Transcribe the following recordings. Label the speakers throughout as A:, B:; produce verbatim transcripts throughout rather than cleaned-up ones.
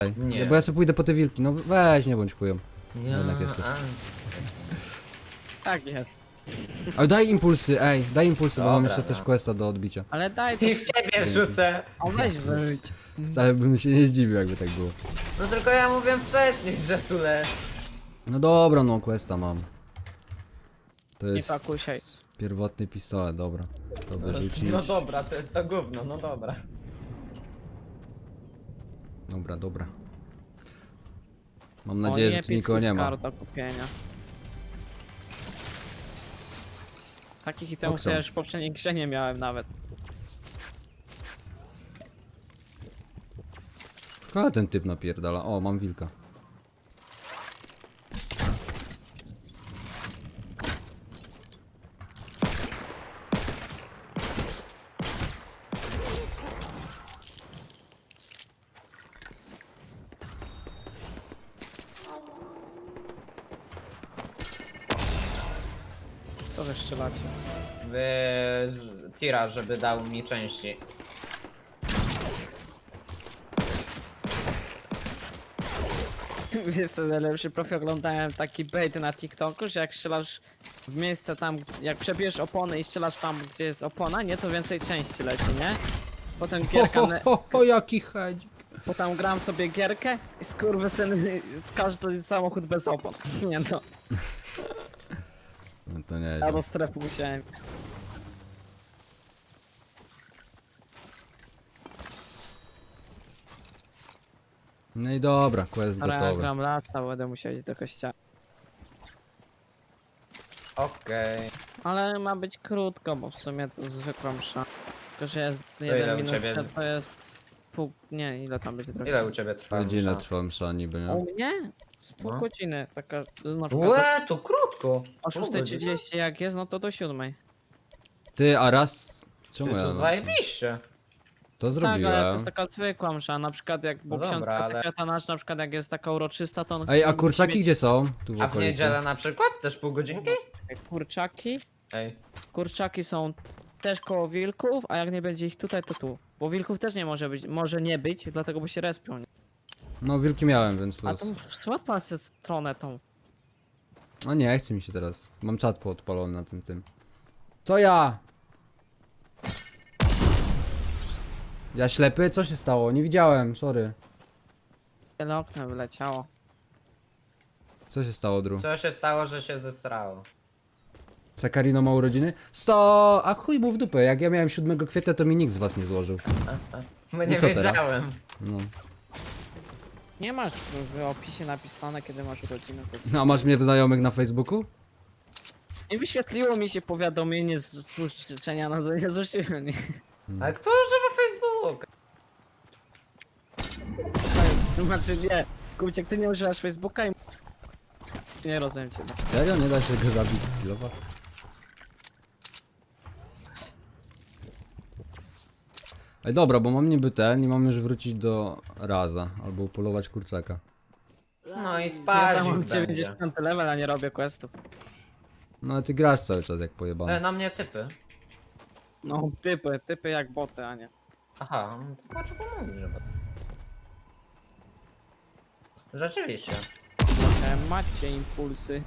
A: Nie.
B: Bo ja sobie pójdę po te wilki, no weź, nie bądź chujem.
A: Ja,
B: Jednak jesteś.
A: a,
C: Tak jest.
B: Ale daj impulsy, ej, daj impulsy, bo mam
A: Dobra,
B: jeszcze też
A: no.
B: questa do odbicia.
C: Ale daj to.
A: I w ciebie rzucę.
C: O, weź wyrzuć.
B: Wcale bym się nie zdziwił, jakby tak było.
A: No tylko ja mówiłem wcześniej, że tu le...
B: No dobra, no questa mam. To
C: Nie
B: jest
C: pakusiaj.
B: pierwotny pistolet, dobra. To wyrzucić.
A: No dobra, to jest to gówno, no dobra.
B: Dobra, dobra. Mam
C: O,
B: nadzieję, że
C: nie,
B: tu nikogo nie ma.
C: kart do kupienia. Takich itemów to
B: Okej.
C: ja już w poprzedniej grze nie miałem nawet.
B: Ale ten typ napierdala. O, mam wilka.
C: Co wy strzelacie?
A: Wy... Tira, żeby dał mi części.
C: Wiesz co, najlepszy profil oglądałem taki bait na TikToku, że jak strzelasz w miejsce tam, jak przebierzesz opony i strzelasz tam, gdzie jest opona, nie, to więcej części leci, nie? Potem
B: Ho,
C: gierka,
B: ho,
C: ne-
B: ho, ho, jaki hedzik.
C: potem gram sobie gierkę i skurwysyny, każdy samochód bez opon. Nie no,
B: No to nie
C: ja do strefy musiałem.
B: No i dobra, quest
C: Ale ja
B: gotowy.
C: gram lata, będę musiał iść do kościoła.
A: Okej.
C: Ale ma być krótko, bo w sumie to zwykła msza. Tylko, że jest
A: ile
C: jeden
A: u
C: minut,
A: ciebie?
C: to jest pół... nie, ile tam będzie trochę?
A: Ile u ciebie trwa?
B: Godzinę
A: msza?
B: trwa msza niby, nie?
C: U mnie? Z pół
A: No.
C: godziny, taka, na przykład
A: Łe, to krótko.
C: o
A: Pół
C: szóstej
A: godziny.
C: trzydzieści jak jest, no to do siódmej.
B: Ty, a raz...
A: Ty,
B: Czemu ja...
A: to zajebiście.
B: To
C: Tak, ale to
B: zrobiłem.
C: jest taka zwykła msza, na przykład jak, bo
A: No dobra,
C: ksiądz
A: ale-
C: katechetanacz na przykład jak jest taka uroczysta, to on
B: Ej, a
C: musi
B: kurczaki
C: mieć
B: gdzie są? Tu w
A: A w
B: okolicy.
A: niedzielę na przykład? Też pół godzinki?
C: Kurczaki,
A: Ej.
C: kurczaki są też koło wilków, a jak nie będzie ich tutaj, to tu. Bo wilków też nie może być, może nie być, dlatego bo się respią. Nie?
B: No wilki miałem, więc
C: A
B: luz.
C: to swapa się stronę tą.
B: No nie, chce mi się teraz. Mam czat podpalony na tym tym. Co ja? Ja ślepy? Co się stało? Nie widziałem, sorry.
C: Tyle oknem wyleciało.
B: Co się stało, Dru?
A: Co się stało, że się zesrało?
B: Sakarino ma urodziny? Sto! A chuj mu w dupę, jak ja miałem siódmego kwietnia, to mi nikt z was nie złożył.
A: My
B: No
A: nie
B: co teraz?
A: wiedziałem.
B: No.
C: Nie masz w w opisie napisane, kiedy masz urodziny. To...
B: No a masz mnie w znajomych na Facebooku?
C: Nie wyświetliło mi się powiadomienie z służb życzenia, no to nie złożyłem. Nie.
A: Ale kto używa Facebooka?
C: Znaczy nie, Kubiek, ty nie używasz Facebooka i... Nie rozumiem cię.
B: Serio? Nie da się go zabić z kilowa? Ej dobra, bo mam niby ten i mam już wrócić do Raza, albo upolować kurczaka.
A: No i
C: Ja tam
A: spazik
C: mam
A: będzie.
C: dziewięćdziesiąty level, a nie robię questów.
B: No a ty grasz cały czas jak
A: E,
B: pojebany.
A: na mnie typy.
C: No typy, typy jak boty, a nie.
A: Aha, no to dlaczego mówisz, że... Rzeczywiście.
C: E, macie impulsy.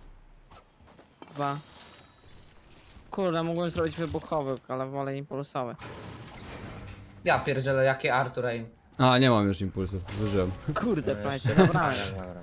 C: Dwa. Kurde, mogłem zrobić wybuchowy, ale wolę impulsowy.
A: Ja pierdzielę, jakie Artur aim.
B: A, nie mam już impulsów, zużyłem.
C: Kurde,
A: No
C: prawie
A: jeszcze.
C: się zabrałem.
A: Dobra, dobra.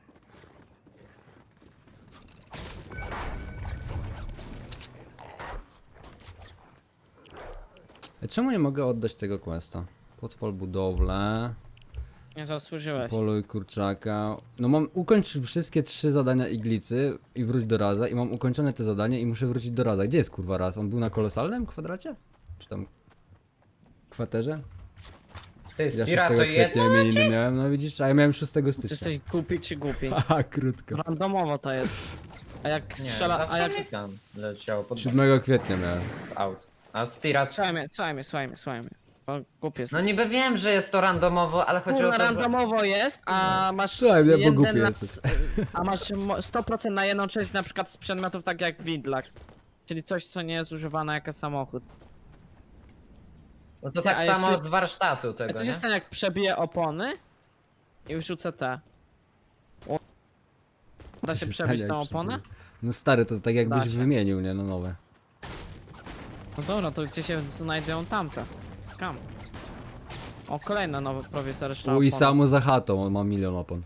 B: Ej, czemu nie mogę oddać tego questa? Podpal budowlę,
C: Nie zasłużyłeś.
B: poluj kurczaka. No mam ukończyć wszystkie trzy zadania iglicy i wróć do Raza i mam ukończone te zadanie i muszę wrócić do Raza. Gdzie jest kurwa Raz? On był na kolosalnym kwadracie? Czy tam... kwaterze?
A: Ty,
B: Ja
A: Stira to
B: szóstego
A: jedno?
B: kwietnia imieniny miałem, no widzisz, a ja miałem szóstego
C: Czy
B: stycznia.
C: jesteś głupi czy głupi?
B: Haha, krótko.
C: Randomowo to jest. A jak
A: Nie,
C: strzela,
A: zawsze
C: a jak...
A: mi tam leciało pod
B: siódmego kwietnia miałem.
A: z aut. A Stira...
C: Słuchaj mnie, słuchaj mnie, słuchaj mnie, słuchaj mnie. Bo głupi jest.
A: No niby wiem, że jest to randomowo, ale chodzi o
C: Kurwa,
A: to, że...
C: randomowo jest, a masz
B: Słuchaj mnie, bo
C: jeden
B: głupi
C: na...
B: jesteś.
C: A masz mo- sto procent na jedną część na przykład z przedmiotów tak jak widlak. Czyli coś co nie jest używane jako samochód.
A: No to
C: Ty,
A: tak
C: a
A: samo
C: jeśli-
A: z warsztatu
C: A
A: tego,
C: co się
A: nie?
C: stanie jak przebije opony i wrzucę te. O. Da
B: Co
C: się
B: stanie,
C: przebić
B: jak
C: tą
B: przebiję?
C: oponę?
B: No stary, to tak jakbyś
C: Da się.
B: wymienił, nie? No nowe.
C: No dobra, to gdzie się znajdują tamte? Skam. O, kolejna nowa prowizoryczna
B: U i
C: opona.
B: samo za chatą, on ma milion opon.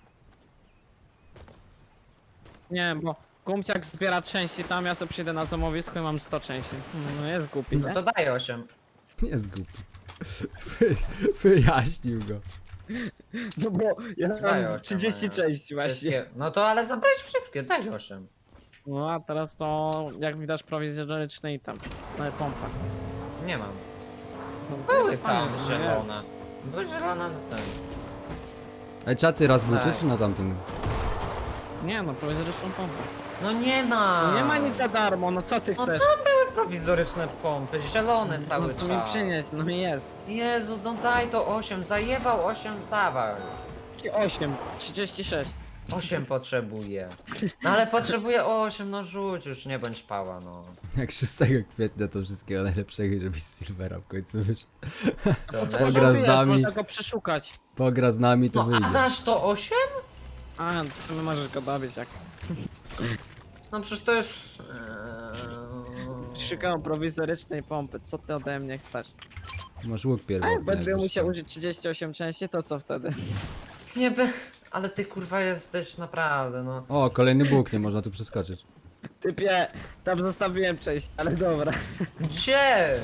C: Nie, bo Kumciak zbiera części tam, ja sobie przyjdę na złomowisko i mam sto części. No jest głupi,
A: No
C: nie?
A: to daj osiem.
B: Nie jest głupi. Wy, wyjaśnił go.
C: No bo ja
A: Daj
C: mam
A: osiem,
C: trzydzieści
A: a nie.
C: części właśnie.
A: Wszystkie. No to ale zabrać wszystkie, daj osiem.
C: No a teraz to jak mi dasz prowizoryczny item. No i pompa.
A: Nie mam.
C: No,
A: Były
C: jest
A: tam
C: fajnie, że
A: zielone. Były zielone na ten.
B: Ej, czaty raz był tu,
A: Daj.
B: czy na tamtym?
C: jest. Nie no, prowizoryczną pompę.
A: No nie ma!
C: No nie ma nic za darmo, no co ty
A: No
C: chcesz?
A: tam były prowizoryczne pompy, zielone cały
C: No to mi
A: czas.
C: przynieść, no i jest.
A: Jezu, no daj to osiem, zajebał osiem, dawaj.
C: Takie osiem, trzydzieści sześć.
A: osiem potrzebuję. No ale potrzebuję osiem, no rzuć już, nie bądź pała, no.
B: Jak szóstego kwietnia to wszystkiego najlepszego, żeby z Silvera w końcu wyszedł.
A: To
B: Pogra
A: nie?
B: z
C: Wiesz,
B: nami.
C: można go przeszukać.
B: Pogra z nami, to
A: No a
B: wyjdzie.
A: dasz to osiem?
C: A, to nie możesz go dobić jak.
A: No przecież to już... Eee...
C: Szukam prowizorycznej pompy, co ty ode mnie chcesz?
B: Masz łuk
C: A
B: pierwotny.
C: jak będę
B: jakbyś
C: musiał
B: chciał.
C: użyć trzydzieści osiem części, to co wtedy?
A: Nie by... Ale ty kurwa jesteś naprawdę, no.
B: O, kolejny bóg, nie można tu przeskoczyć.
C: Typie, tam zostawiłem część, ale dobra.
A: Gdzie?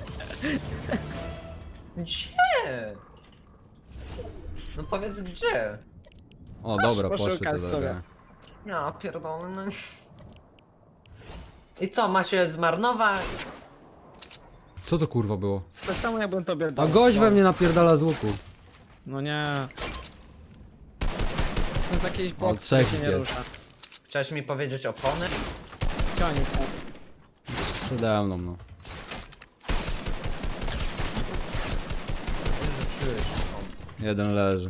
A: Gdzie? No powiedz gdzie?
B: O,
C: Masz
B: dobra, poszły
C: poszukać
B: te
C: sobie.
B: droga.
A: Ja pierdolę, no. I co, ma się zmarnować?
B: Co to kurwa było?
C: To samo jakbym tobie
B: A
C: dał.
B: gość we mnie napierdala z łuku.
C: No nie. To jest jakiś
B: O,
C: bot, który
B: trzech
C: się nie
B: jest.
C: rusza.
A: Chciałeś mi powiedzieć opony?
C: Ciągnij.
B: Przede mną, no.
A: Rzuciłeś opony.
B: Jeden leży.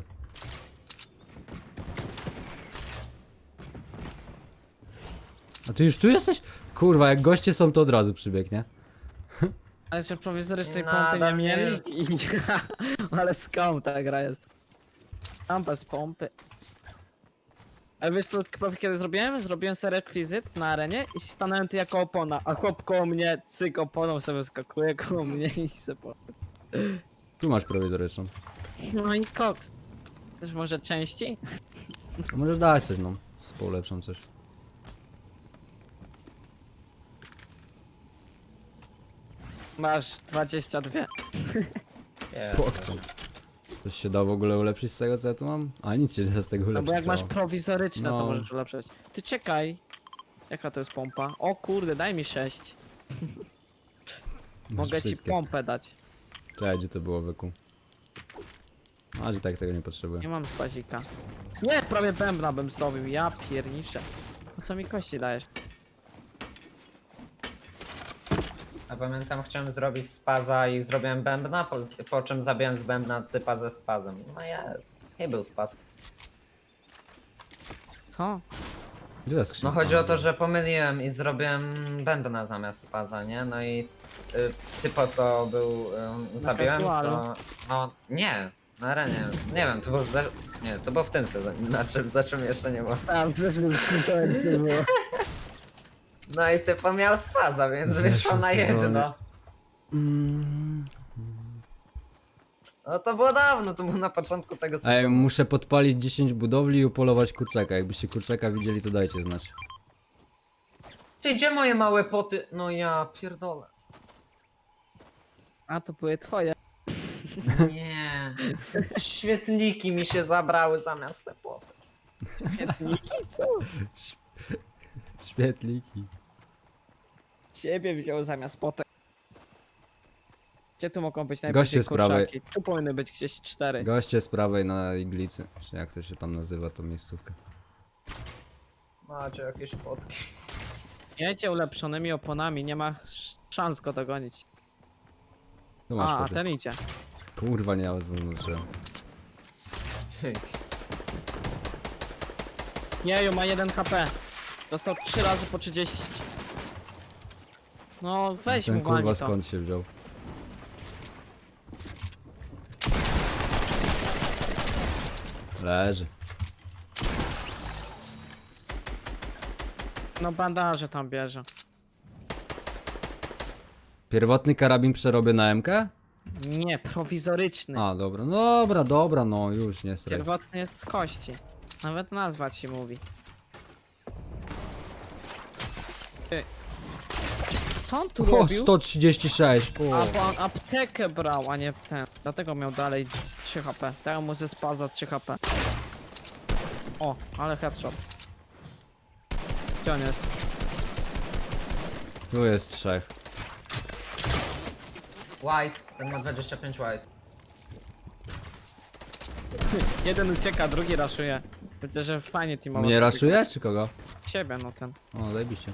B: A ty już tu jesteś? Kurwa, jak goście są, to od razu przybieg, nie?
C: Ale się prowizorycznej
A: Nadal
C: pompy nie
A: nie-
C: mieli. I... Ale skąd ta gra jest? Tam bez pompy. Ale wiesz co, Krofi, kiedy zrobiłem? Zrobiłem sobie rekwizyt na arenie i stanąłem tu jako opona, a chłop koło mnie, cyk oponą sobie skakuje koło mnie i se po...
B: Tu masz prowizoryczną.
C: No i koks. Też może części?
B: A możesz dać coś, no. Z polepszą coś.
C: Masz dwadzieścia dwa.
A: Nie.
B: Pokczą. Coś się da w ogóle ulepszyć z tego, co ja tu mam? A nic się nie da z tego
C: No
B: ulepszyć.
C: bo jak masz
B: co?
C: prowizoryczne,
B: No.
C: to możesz ulepszać. Ty czekaj. Jaka to jest pompa? O kurde, daj mi sześć.
B: Masz
C: Mogę ci
B: wszystkie.
C: pompę dać.
B: Czekaj, gdzie to było, wyku? A, że tak tego nie potrzebuję.
C: Nie mam spazika. Nie, prawie bębna bym zdobył, ja pierniczę. Po co mi kości dajesz?
A: A pamiętam, chciałem zrobić spaza i zrobiłem bębna, po, po czym zabiłem z bębna typa ze spazem. No jest. Nie był spaz.
C: Co?
B: Gdzie jest skrzynka?
A: No chodzi o to, że pomyliłem i zrobiłem bębna zamiast spaza, nie? No i y, typo co był, y, zabiłem,
C: casualu.
A: to... No nie, na arenie. Nie wiem, to było za... Nie, to było w tym sezonie, na czym, za czym jeszcze nie było.
C: Tam, coś w tym całym nie było.
A: No i typo miał spaza, więc
B: W
A: wyszło
B: zeszłym
A: na
B: sezonie.
A: jedno.
B: Mm.
A: No to było dawno, to było na początku tego sezonu.
B: Ej, muszę podpalić dziesięć budowli i upolować kurczaka. Jakbyście kurczaka widzieli, to dajcie znać.
A: Ty, gdzie moje małe poty? No ja pierdolę.
C: A to były twoje.
A: Nie. Świetliki mi się zabrały zamiast te poty.
C: Świetniki, co?
B: Świetliki.
C: Ciebie wziął zamiast potek. Gdzie tu mogą być
B: Goście
C: najbardziej
B: z prawej.
C: kurczaki? Tu powinny być gdzieś cztery.
B: Goście z prawej na iglicy. Czy jak to się tam nazywa, tą miejscówkę.
A: Macie jakieś potki.
C: Jedzie ulepszonymi oponami, nie ma sz- szans go dogonić.
B: Tu masz
C: A, a
B: poty.
C: ten idzie.
B: Kurwa, nie, ale zaznaczyłem.
C: Jeju, ma jeden H P. Dostał trzy razy po trzydzieści. No weź
B: Ten
C: mu
B: kurwa
C: walnij to.
B: skąd się wziął? Leży.
C: No bandaże tam bierze.
B: Pierwotny karabin przerobię na M K?
C: Nie, prowizoryczny.
B: A, dobra, no dobra, dobra, no już nie straj.
C: Pierwotny jest z kości. Nawet nazwa ci mówi. Ty. Co on tu
B: O,
C: robił?
B: sto trzydzieści sześć.
C: A
B: O.
C: bo on aptekę brał, a nie ten. Dlatego miał dalej trzy H P. Dał mu ze spaza trzy H P. O, ale headshot. Gdzie on jest?
B: Tu jest trzech.
A: White, ten ma dwadzieścia pięć white.
C: Jeden ucieka, drugi raszuje. Widzę, że fajnie teamowo.
B: Mnie
C: sobie
B: raszuje, czy kogo?
C: gra. Ciebie, no ten.
B: O, zajebiście.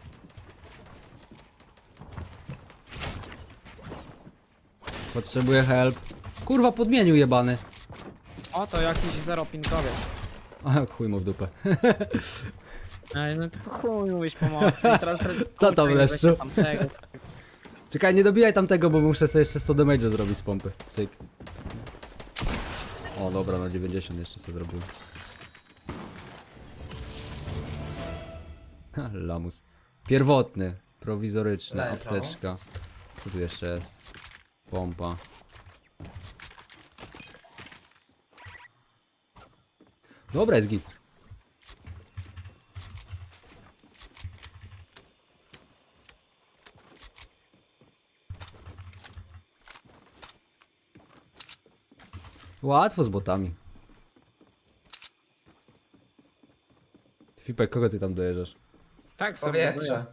B: Potrzebuję help. Kurwa, podmienił jebany.
C: O, to jakiś zeropinkowiec.
B: A, chuj mu w dupę.
C: Ej, no to chuj mówisz pomocy. I teraz
B: Co tam,
C: kurczę,
B: Leszczu?
C: weźcie tamtego.
B: Czekaj, nie dobijaj tamtego, bo muszę sobie jeszcze sto damage zrobić z pompy. Cyk. O, dobra, na dziewięćdziesiąt jeszcze sobie zrobiłem. Ha, lamus. Pierwotny, prowizoryczny,
A: Leżą.
B: apteczka. Co tu jeszcze jest? Pompa. Dobra, jest git. Łatwo z botami. Fipek, kogo ty tam dojeżdżasz?
C: Tak sobie
A: Powietrze.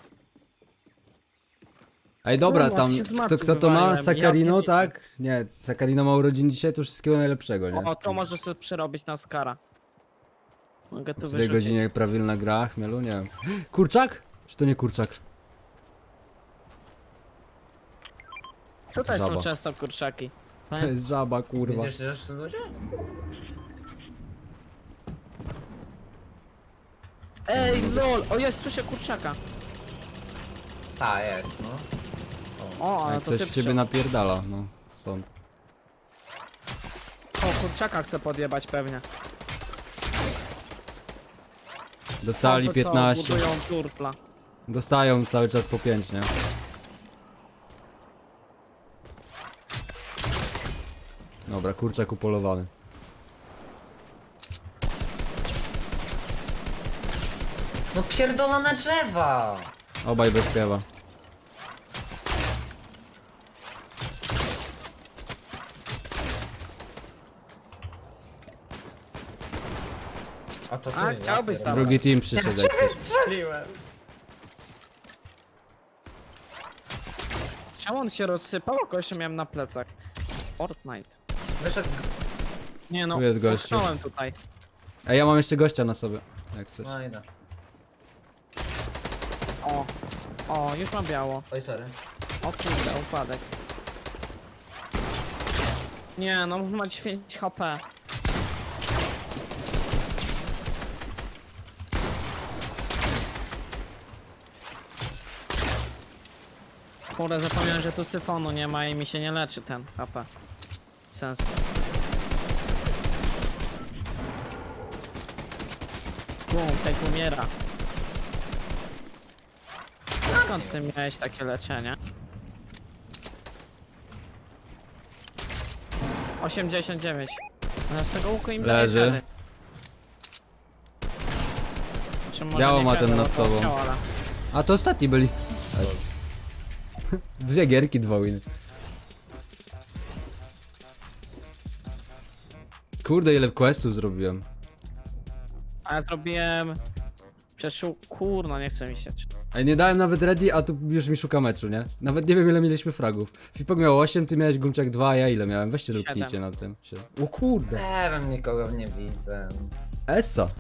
B: Ej, dobra,
C: Kurwa,
B: tam,
C: się z
B: kto,
C: matki
B: kto to ma?
C: wywaliłem,
B: Sakarino,
C: ja
B: tak? Nie, Sakarino ma urodziny dzisiaj, to wszystkiego najlepszego, nie?
C: O, to możesz sobie przerobić na Skara. Mogę tu
B: W tej
C: wyrzucić.
B: godzinie prawilna gra, chmielu, nie wiem. Kurczak? Czy to nie kurczak?
C: Tutaj są
B: Żaba.
C: często kurczaki.
B: To jest żaba, kurwa.
A: Widzisz, że tu ludzie?
C: Ej, lol! O, jest, słyszę kurczaka.
A: Ta, jest, no.
C: O, ale
B: Jak
C: to
B: ktoś
C: ty
B: w ciebie
C: przy...
B: napierdala, no. Stąd.
C: O, kurczaka chce podjebać pewnie.
B: Dostali
C: To co,
B: piętnaście.
C: budują turtla.
B: Dostają cały czas po pięć, nie? Dobra, kurczak upolowany.
A: No pierdolone drzewa!
B: Obaj bez piewa.
A: A to ty,
C: A,
A: ja
C: chciałbyś
A: pierdolę.
C: sam.
B: Drugi team przyszedł. jak coś.
A: Strzeliłem!
C: Czemu on się rozsypał? A kogoś miałem na plecach. Fortnite.
A: Wyszedł z...
C: Nie no,
B: Tu jest gościu.
C: puknąłem tutaj.
B: Ej, ja mam jeszcze gościa na sobie. Jak coś.
A: No idę.
C: O, o, już mam biało.
A: Oj, sorry.
C: O kurde, upadek. Nie, no ma dziewięć H P. Kurde, zapomniałem, że tu syfonu nie ma i mi się nie leczy ten H P. Sens. Bum, tak umiera. Skąd ty miałeś takie leczenie? osiemdziesiąt dziewięć. No z tego łuku im daje
B: Leży.
C: wtedy. Czy może
B: Biało
C: nie
B: ma ten
C: wiadomo,
B: nad
C: to
B: tobą.
C: chciał, ale...
B: A to ostatni byli. Dwie gierki, dwa winy. Kurde, ile questów zrobiłem.
C: A ja zrobiłem... Przeszu... Kurno, nie chce mi się.
B: Ej, nie dałem nawet ready, a tu już mi szuka meczu, nie? Nawet nie wiem ile mieliśmy fragów. Fipok miał osiem, ty miałeś Gumciak dwa, a ja ile miałem? Weźcie
C: Siedem.
B: luknijcie na tym. Siedem. O kurde.
A: Nie wiem, nikogo nie widzę.
B: Essa.